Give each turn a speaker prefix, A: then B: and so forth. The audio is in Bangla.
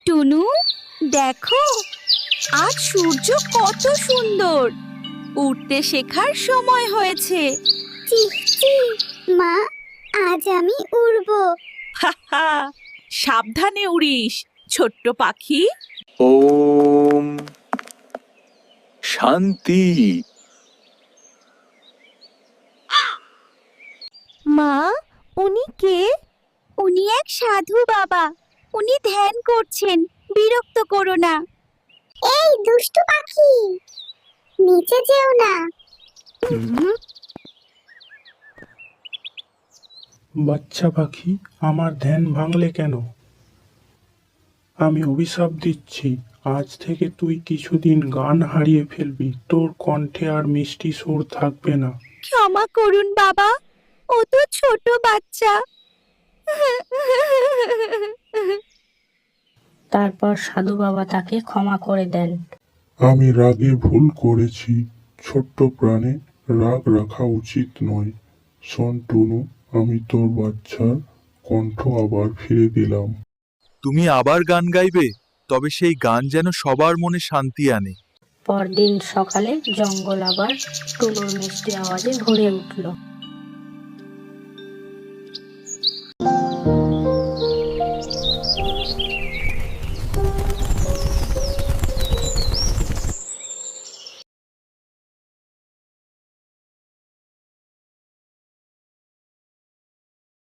A: টুনু, দেখো আজ সূর্য কত সুন্দর। উঠতে শেখার সময় হয়েছে।
B: চিহ চিহ, মা আজ আমি উড়বো।
A: হাহা, সাবধানে উড়িস ছোট্ট পাখি।
C: ওম শান্তি।
A: মা, উনি কে? উনি এক সাধু বাবা। উনি ধ্যান করছেন, বিরক্ত করো না।
B: এই দুষ্টু পাখি, নিচে যেও না।
D: বাচ্চা পাখি, আমার ধ্যান ভাঙলে কেন? আমি অভিশাপ দিচ্ছি, আজ থেকে তুই কিছুদিন গান হারিয়ে ফেলবি। তোর কণ্ঠে আর মিষ্টি সুর থাকবে না।
A: ক্ষমা করুন বাবা, ও তো ছোট বাচ্চা।
E: তারপর সাধু বাবা তাকে ক্ষমা করে দেন।
F: আমি রাগে ভুল করেছি। ছোট্ট প্রাণে রাগ রাখা উচিত নয়। শোন টুনু, আমি তোর বাচ্চার কণ্ঠ আবার ফিরে দিলাম।
C: তুমি আবার গান গাইবে, তবে সেই গান যেন সবার মনে শান্তি আনে।
E: পরদিন সকালে জঙ্গল আবার টুনুর মিষ্টি আওয়াজে ভরে উঠল।